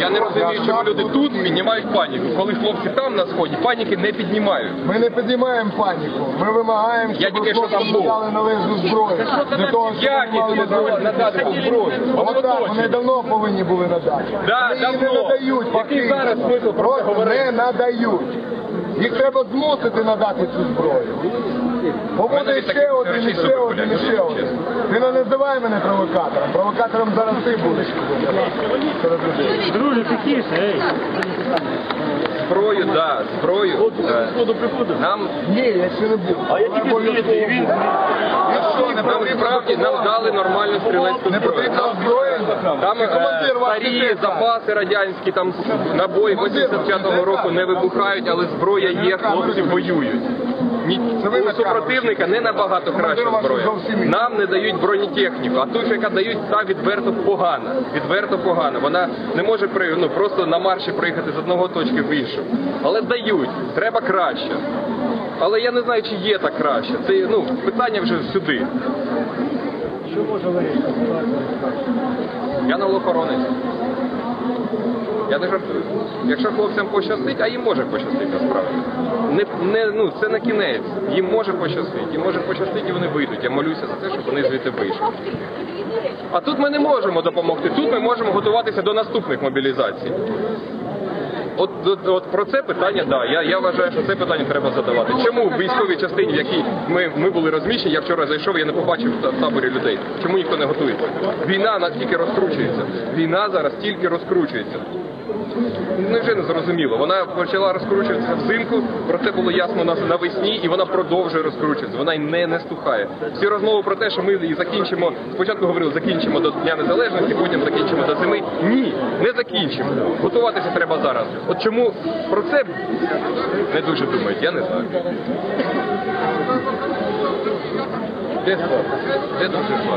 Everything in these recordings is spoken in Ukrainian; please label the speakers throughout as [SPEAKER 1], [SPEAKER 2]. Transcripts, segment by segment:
[SPEAKER 1] Я не розумію, чому люди тут піднімають паніку. Коли хлопці там на сході, паніки не піднімають.
[SPEAKER 2] Ми не піднімаємо паніку. Ми вимагаємо, щоб хлопці дали належну зброю. Для того, щоб
[SPEAKER 1] надати зброю?
[SPEAKER 2] Отак, вони давно повинні були надати. Вони її не надають, фактично. Просто не надають. Їх треба змусити надати цю зброю. Бо буде ще один, і ще один, і ще один. Ти не називай мене провокатором. Провокатором зараз ти будеш.
[SPEAKER 3] Друже, тихіше, ей.
[SPEAKER 1] Зброю, да, зброю. Нам...
[SPEAKER 2] Ні, я ще не буду.
[SPEAKER 3] А я тільки звідти, і він...
[SPEAKER 1] Насправді нам дали нормальну стрілецьку
[SPEAKER 2] Не
[SPEAKER 1] зброю.
[SPEAKER 2] потрібна озброєння.
[SPEAKER 1] Там старі запаси радянські, там набої 85-го року не вибухають, але зброя є, хлопці воюють. У супротивника не набагато краща зброя. Нам не дають бронетехніку, а ту, яка дають, та відверто погана. Відверто погана. Вона не може просто на марші приїхати з одного точки в іншу. Але дають. Треба краще. Але я не знаю, чи є так краще. Це питання вже сюди.
[SPEAKER 3] Що може вирішити?
[SPEAKER 1] Я налогоохоронець. Я не жартую. Якщо хлопцям пощастить, а їм може пощастити насправді. Це на кінець. Їм може пощастити. Їм може пощастити, і вони вийдуть. Я молюся за те, щоб вони звідти вийшли. А тут ми не можемо допомогти. Тут ми можемо готуватися до наступних мобілізацій. От про це питання, да, я вважаю, що це питання треба задавати. Чому в військовій частині, в якій ми були розміщені, я вчора зайшов, я не побачив в таборі людей. Чому ніхто не готується? Війна тільки розкручується. Війна зараз тільки розкручується. Невже не зрозуміло? Вона почала розкручуватися взимку, про це було ясно навесні, і вона продовжує розкручуватися. Вона не стухає. Всі розмови про те, що ми закінчимо, спочатку говорили, закінчимо до Дня Незалежності, потім закінчимо до зими. Ні, не закінчимо. Готуватися треба зараз. От чому про це не дуже думають, я не знаю. Де склад? Де дуже склад?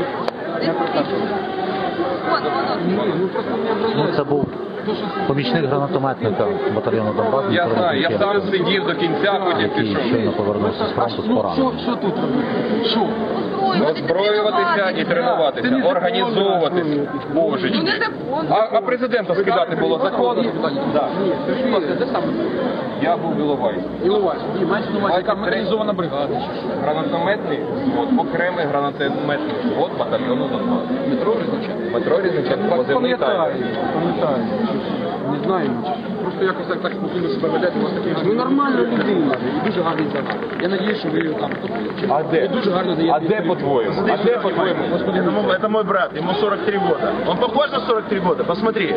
[SPEAKER 4] Це був помічник гранатометника батальйону Донбас.
[SPEAKER 1] Я знаю, я сам сидів до кінця, потім
[SPEAKER 4] який
[SPEAKER 1] пішов.
[SPEAKER 4] щойно повернувся з фронту з пораненням.
[SPEAKER 3] Що тут робити? Що?
[SPEAKER 1] Озброюватися і тренуватися, організовуватися. Божечки. А президента скидати було законно? Так. Я був в Іловайську.
[SPEAKER 3] Іловайськ. Ні, мається на увазі, яка механізована бригада.
[SPEAKER 1] Гранатометний взвод, окремий гранатометний взвод батальйону Донбас.
[SPEAKER 3] Метро Різниченко.
[SPEAKER 1] Метро Різниченко, позивний Тайгер.
[SPEAKER 3] Пам'ятаю. Не знаю. Просто якось так спокійно себе ведете, у вас такий нормальна людина і дуже гарний завод. Я надіюсь, що ви там
[SPEAKER 1] А де?
[SPEAKER 3] і дуже гарно даєте.
[SPEAKER 1] А де по-твоєму? А де по-твоєму?
[SPEAKER 5] Это мой брат, ему 43 года. Он похож на 43 года? Посмотри.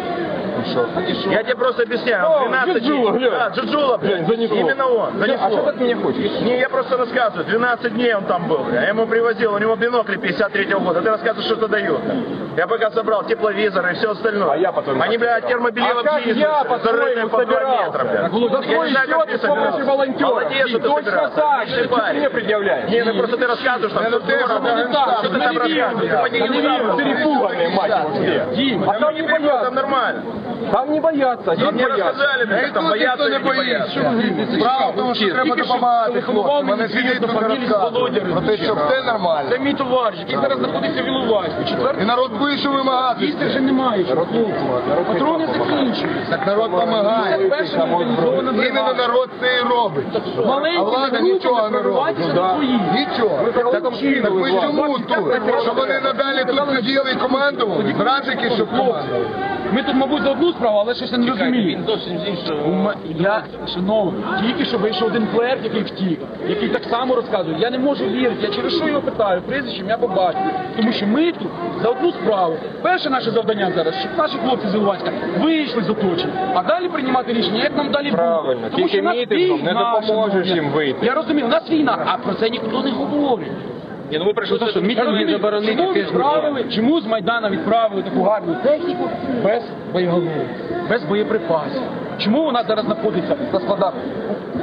[SPEAKER 5] Я тебе просто объясняю. Он 12 дней. Да, Джуджула, блин. Именно он.
[SPEAKER 1] А что ты от меня хочешь?
[SPEAKER 5] Не, я просто рассказываю. 12 дней он там был. Я ему привозил, у него бинокли 53-го года. Ты рассказываешь, что это дает. Я пока собрал тепловизоры и все остальное.
[SPEAKER 1] А я потом...
[SPEAKER 5] Они, блядь, термобелье вообще не зарытые по 2 метра, блядь.
[SPEAKER 1] За свой счет и с помощью волонтеров.
[SPEAKER 5] Молодец, что ты
[SPEAKER 1] Точно так же. Что ты мне предъявляешь?
[SPEAKER 5] Не, ну просто ты рассказываешь, что что ты там рассказываешь.
[SPEAKER 1] Перепуганные, мать его, все.
[SPEAKER 5] А там не боятся. Там нормально.
[SPEAKER 1] Там не боятся,
[SPEAKER 5] Там не рассказали, блядь, там боятся или не боятся.
[SPEAKER 2] Справа в тому, що треба допомагати хлопцям, а не сидіти тут і розказувати. Про те, що все нормально.
[SPEAKER 3] Це мій товариш, який зараз знаходиться в Іловайську.
[SPEAKER 2] І народ вийшов вимагати.
[SPEAKER 3] Їсти вже немає. Патрони закінчуються.
[SPEAKER 2] Так народ допомагає. Іменно народ це і робить. А влада нічого не робить. Нічого. Так ви чому тут? Щоб вони надалі тут сиділи і командували? Зрадники, щоб командували.
[SPEAKER 3] Ми тут, мабуть, за одну справу, але щось я не розумію. Він зовсім з іншого. Я, шановний, тільки що вийшов один клерк, який втік, який так само розказує. Я не можу вірити, я через що його питаю, прізвищем я побачив. Тому що ми тут за одну справу. Перше наше завдання зараз, щоб наші хлопці з Іловайська вийшли з оточення, а далі приймати рішення, як нам далі буде.
[SPEAKER 1] Правильно,
[SPEAKER 3] Тому що
[SPEAKER 1] тільки
[SPEAKER 3] в нас
[SPEAKER 1] мітингом не
[SPEAKER 3] війна,
[SPEAKER 1] допоможеш
[SPEAKER 3] шановні.
[SPEAKER 1] їм вийти.
[SPEAKER 3] Я розумію, у нас війна, а про це ніхто не говорить.
[SPEAKER 1] Ні, ну ми прийшли тут, щоб мітинги заборонити.
[SPEAKER 3] Чому з Майдана відправили таку гарну техніку без боєголовок, без боєприпасів? Чому вона зараз знаходиться на складах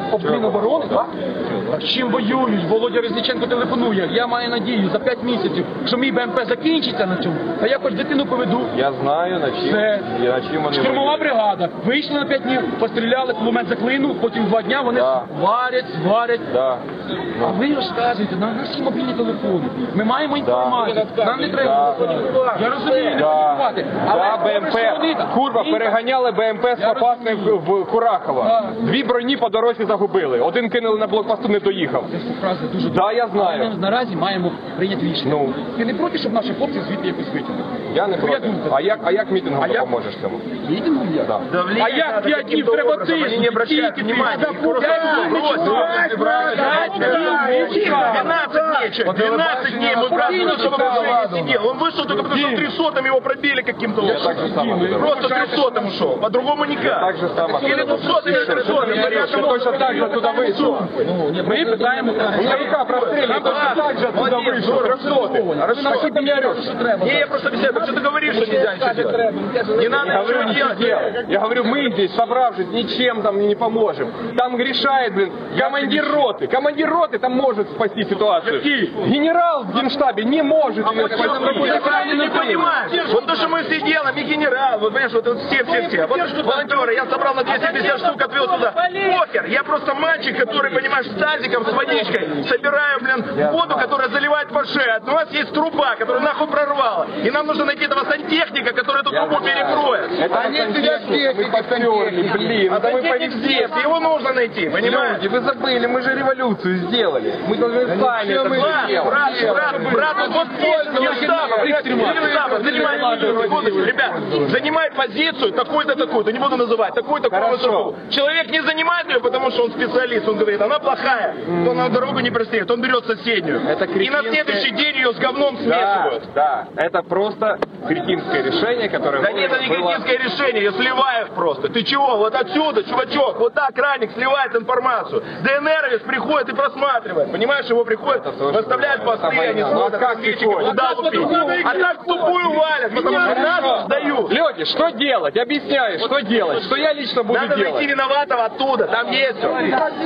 [SPEAKER 3] об Міноборони, так? Так з чим воюють? Володя Резніченко телефонує. Я маю надію за 5 місяців, що мій БМП закінчиться на цьому, а я хоч дитину поведу.
[SPEAKER 1] Я знаю, на чим,
[SPEAKER 3] Все.
[SPEAKER 1] на чим вони
[SPEAKER 3] Штурмова
[SPEAKER 1] воюють.
[SPEAKER 3] бригада. Вийшли на 5 днів, постріляли, кулемет заклинув, потім 2 дня вони
[SPEAKER 1] Да.
[SPEAKER 3] варять.
[SPEAKER 1] Да.
[SPEAKER 3] А ви розказуєте, на нас є мобільні телефони. Ми маємо інформацію. Нам не треба. Я розумію, не панікувати.
[SPEAKER 1] Да, БМП, курва, переганяли БМП з Попасної в Курахова. 2 броні по дорозі загубили. Один кинули на блокпосту, не доїхав.
[SPEAKER 3] Фраза дуже
[SPEAKER 1] Да, я
[SPEAKER 3] Але
[SPEAKER 1] знаю.
[SPEAKER 3] ми наразі маємо прийняти рішення.
[SPEAKER 1] Ну.
[SPEAKER 3] Ти не проти, щоб наші хлопці звідти якось витягнули?
[SPEAKER 1] Я не проти.
[SPEAKER 3] думка.
[SPEAKER 1] А як мітингом
[SPEAKER 3] А як?
[SPEAKER 1] допоможеш цьому?
[SPEAKER 3] Їдемо я.
[SPEAKER 1] Да.
[SPEAKER 3] А як 5 днів треба
[SPEAKER 5] Они не обращают
[SPEAKER 3] тільки
[SPEAKER 5] внимания.
[SPEAKER 3] треба
[SPEAKER 5] Их просто бросили. 12 дней мы брали, чтобы он сидел. Он вышел только потому, что 300-м его пробили каким-то
[SPEAKER 1] Я так же само.
[SPEAKER 5] Просто 300-м ушел, по-другому никак.
[SPEAKER 1] Так же само.
[SPEAKER 5] Или 200-м, или 300-м.
[SPEAKER 1] Ты точно так же оттуда вышел.
[SPEAKER 3] Ми питаємо.
[SPEAKER 1] У меня рука прострелена, точно так же оттуда вышел. Что ты? А что ты мне орешь?
[SPEAKER 5] Не, я просто объясняю, что ты говоришь, что нельзя ничего делать. Не надо
[SPEAKER 1] Я говорю,
[SPEAKER 5] ничего
[SPEAKER 1] ничего
[SPEAKER 5] делать.
[SPEAKER 1] делать. Я говорю, мы здесь, собравшись, ничем там не поможем. Там решает, блин, командир роты. Командир роты там может спасти ситуацию. Генерал в генштабе не может ее спасти.
[SPEAKER 5] Ты правильно не понимаешь. Вот то, что мы все делаем, и генерал, вот понимаешь, вот все. Вот волонтеры, я собрал на 250 штук, отвез туда. Похер, я просто мальчик, который, понимаешь, с тазиком, с водичкой, собираю, блин, воду, которая заливает по шее. У нас есть труба, которую нахуй прорвала. И нам нужно найти этого сантехника, который эту трубу перекроет.
[SPEAKER 1] Это
[SPEAKER 2] Они сидят
[SPEAKER 1] мы подперли, блин.
[SPEAKER 5] А
[SPEAKER 1] Это мы
[SPEAKER 5] сантехник здесь, его нужно найти, понимаешь?
[SPEAKER 1] Люди, вы забыли, мы же революцию сделали. Мы должны сами это сделать.
[SPEAKER 5] Брат, вот здесь Генштаба занимает, секундочку, ребят, занимает позицию такой-то, такой-то, не буду называть, такую-то высоту. Человек не занимает ее, потому что он специалист, он говорит, она плохая, то на дорогу не пристает, он берет соседнюю.
[SPEAKER 1] Это
[SPEAKER 5] И на
[SPEAKER 1] кретинское-
[SPEAKER 5] следующий день ее с говном смешивают.
[SPEAKER 1] Да, это просто кретинское решение, которое
[SPEAKER 5] Да нет, это не
[SPEAKER 1] было-
[SPEAKER 5] кретинское решение, ее сливают просто. Ты чего? Вот отсюда, чувачок, вот так краник сливает информацию. ДНРовец приходит и просматривает. Понимаешь, его приходят, выставляют посты, они смотрят,
[SPEAKER 1] как
[SPEAKER 5] разведчиков,
[SPEAKER 1] приходит?
[SPEAKER 5] куда лупить. А так в тупую валят, потому что нас сдают.
[SPEAKER 1] Люди, что делать? Объясняю, что делать? Что я лично буду
[SPEAKER 5] Надо найти
[SPEAKER 1] делать?
[SPEAKER 5] виноватого оттуда, там есть все.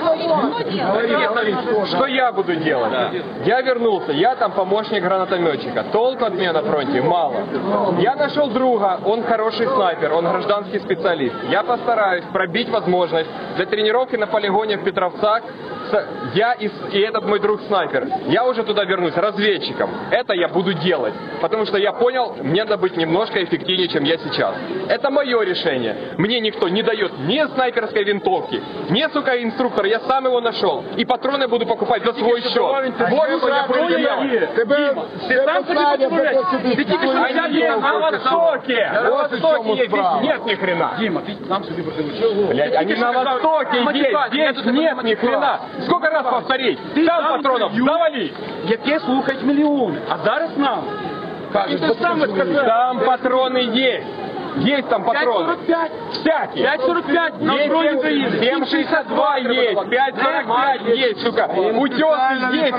[SPEAKER 1] Что я буду делать? Я вернулся, я там помощник гранатометчика. Толку от меня на фронте мало. Я нашел друга, он хороший снайпер, он гражданский специалист. Я постараюсь пробить возможность для тренировки на полигоне в Петровцах. Я и этот мой друг снайпер. Я уже туда вернусь разведчиком. Это я буду делать. Потому что я понял, мне надо быть немножко эффективнее, чем я сейчас. Это мое решение. Мне никто не дает ни снайперской винтовки, ни, сука, инструктора. Я сам его нашел. И патроны буду покупать за свой счет. Вот что я буду делать.
[SPEAKER 2] Тебе
[SPEAKER 3] Сам собі подивись. Ти тільки що сказав, на Востоке. На Востоке є, здесь нет ни хрена. Дима, ты сам собі противочил.
[SPEAKER 1] Блядь, они на Востоке есть, здесь нет ни хрена. Сколько раз повторить? Там патронов завали.
[SPEAKER 3] Яке слухають мільйони. А зараз нам кажуть,
[SPEAKER 1] Там патроны есть. Есть там патроны.
[SPEAKER 3] 5,45.
[SPEAKER 1] Всякие.
[SPEAKER 3] 5,45 на зброю України.
[SPEAKER 1] 7,62 есть, 5,45 есть, сука. Утесы есть,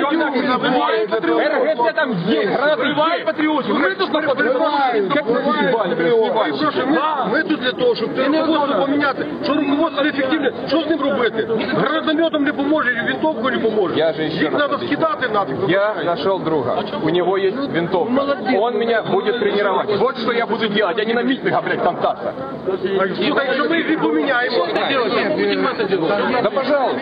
[SPEAKER 1] РГТ там есть, гранаты есть.
[SPEAKER 3] Патріотів. Ми тут знаходимося.
[SPEAKER 1] Как вы съебали, блядь, съебали.
[SPEAKER 2] Ми тут для того, щоб це руководство поміняти. Що руководство неефективне, що з ним робити? Гранатометом не поможе, винтовкою не поможе.
[SPEAKER 1] Я же еще
[SPEAKER 2] Їх
[SPEAKER 1] раз
[SPEAKER 2] треба
[SPEAKER 1] объясню.
[SPEAKER 2] скидати нафиг.
[SPEAKER 1] Я нашел друга. У него есть винтовка. Он меня будет тренировать. Вот что я буду делать, а не на митингах, блядь, топтаться.
[SPEAKER 2] Слухай, якщо ми їх і поміняємо.
[SPEAKER 1] Да пожалуйста.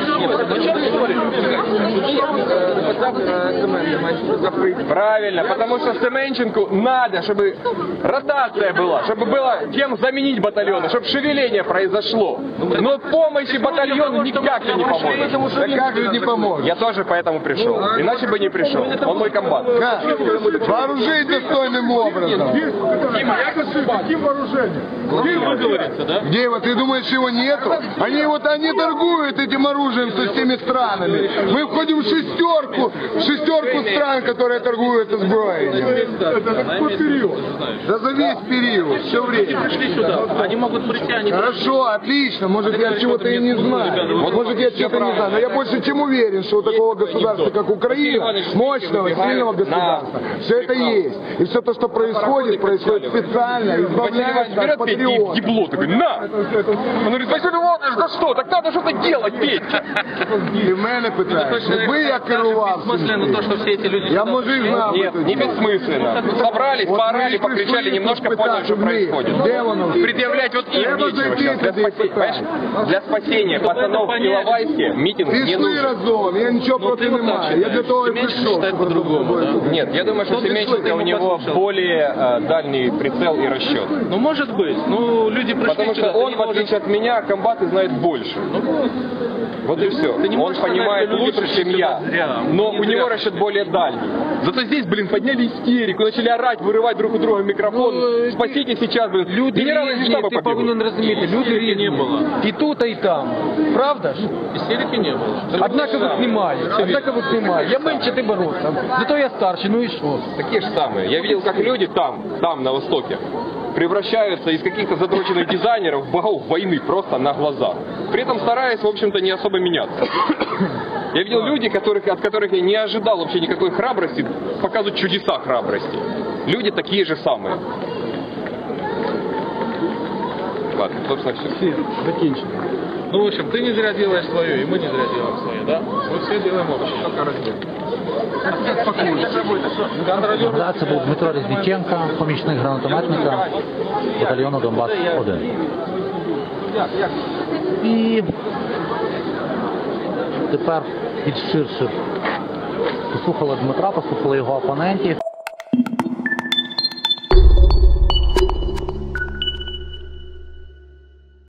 [SPEAKER 1] Правильно, потому что Семенченку надо, чтобы ротация была, чтобы было чем заменить батальоны, чтобы шевеление произошло. Но помощи батальону никак не поможет.
[SPEAKER 2] Да как же не поможет?
[SPEAKER 1] Я тоже поэтому пришел. Иначе бы не пришел. Он мой комбат.
[SPEAKER 2] Как? Вооружить достойным образом.
[SPEAKER 3] Каким вооружением?
[SPEAKER 2] Где его? Ты думаешь, его нету? Они торгуют этим оружием со всеми странами. Мы входим в шестерку стран, которые торгуют сброей. Это какой период? Да за весь период, все время.
[SPEAKER 3] Они могут прийти, они...
[SPEAKER 2] Хорошо, отлично. Может, я чего-то и не знаю. Может, я чего-то не знаю. Но я больше чем уверен, что у такого государства, как Украина, мощного, сильного государства, все это есть. И все то, что происходит специально, избавляется от
[SPEAKER 1] Берет пять
[SPEAKER 2] патриотов.
[SPEAKER 1] ебло такой, на! Он говорит, спасибо, смотришь, да что, так надо что-то делать, Петь.
[SPEAKER 2] Ти в мене питаєш, якби я керував цим,
[SPEAKER 6] то, что все эти люди...
[SPEAKER 2] я може і знав би
[SPEAKER 1] Нет,
[SPEAKER 2] тоді.
[SPEAKER 1] не бессмысленно. Собрались,
[SPEAKER 2] Вот
[SPEAKER 1] поорали,
[SPEAKER 2] мы
[SPEAKER 1] покричали,
[SPEAKER 2] пришли
[SPEAKER 1] немножко
[SPEAKER 2] тут
[SPEAKER 1] поняли, что
[SPEAKER 2] пытаться,
[SPEAKER 1] происходит.
[SPEAKER 2] где оно?
[SPEAKER 1] Предъявлять вот им
[SPEAKER 2] Треба
[SPEAKER 1] нечего
[SPEAKER 2] зайти
[SPEAKER 1] сейчас. Для
[SPEAKER 2] туди і
[SPEAKER 1] спасения,
[SPEAKER 2] питати.
[SPEAKER 1] понимаешь? Для спасения пацанов в Иловайске митинг не
[SPEAKER 2] Пішли
[SPEAKER 1] нужен.
[SPEAKER 2] разом, я нічого проти не маю. Я для того і прийшов. щоб
[SPEAKER 6] по-другому,
[SPEAKER 2] разом з тобою
[SPEAKER 1] Нет, я думаю, что Семенченко у него более дальний прицел и расчет.
[SPEAKER 6] Ну, может быть. Ну, люди пришли
[SPEAKER 1] Потому что
[SPEAKER 6] сюда,
[SPEAKER 1] он,
[SPEAKER 6] ты
[SPEAKER 1] в
[SPEAKER 6] не можешь-
[SPEAKER 1] отличие от меня, комбаты знает больше. Вот и все.
[SPEAKER 6] Ты не
[SPEAKER 1] Он
[SPEAKER 6] можешь сказать,
[SPEAKER 1] понимает
[SPEAKER 6] что люди
[SPEAKER 1] лучше,
[SPEAKER 6] пришли
[SPEAKER 1] чем я.
[SPEAKER 6] сюда зря.
[SPEAKER 1] Но
[SPEAKER 6] Не
[SPEAKER 1] у
[SPEAKER 6] зря.
[SPEAKER 1] него расчет более дальний. Зато здесь, блин, подняли истерику, начали орать, вырывать друг у друга микрофон. Спасите сейчас, блин. Генералы из штаба
[SPEAKER 3] ти
[SPEAKER 1] побегут.
[SPEAKER 3] повинен розуміти, люди різні.
[SPEAKER 6] не було.
[SPEAKER 3] І тут, і там. Правда ж?
[SPEAKER 6] Истерики не было.
[SPEAKER 3] Однако вот немає. Однако вот немає. Я менше, ти боротися. Зато я старший, ну і що?
[SPEAKER 1] Такие же самые. Я видел, как люди там, на Востоке, превращаются из каких-то задроченных дизайнеров в богов войны просто на глазах. При этом стараясь, в общем-то, не особо меняться. Я видел люди, от которых я не ожидал вообще никакой храбрости, показывают чудеса храбрости. Люди такие же самые. Ладно, собственно, все.
[SPEAKER 3] Закінчено.
[SPEAKER 6] Ну, в общем, ты не зря делаешь свое, и мы не зря делаем свое, да? Мы все делаем общее.
[SPEAKER 4] Да, це був Дмитро Резніченко, помічник гранатометника батальйону Донбас-1. І тепер більш ширше послухали Дмитра, послухали його опонентів.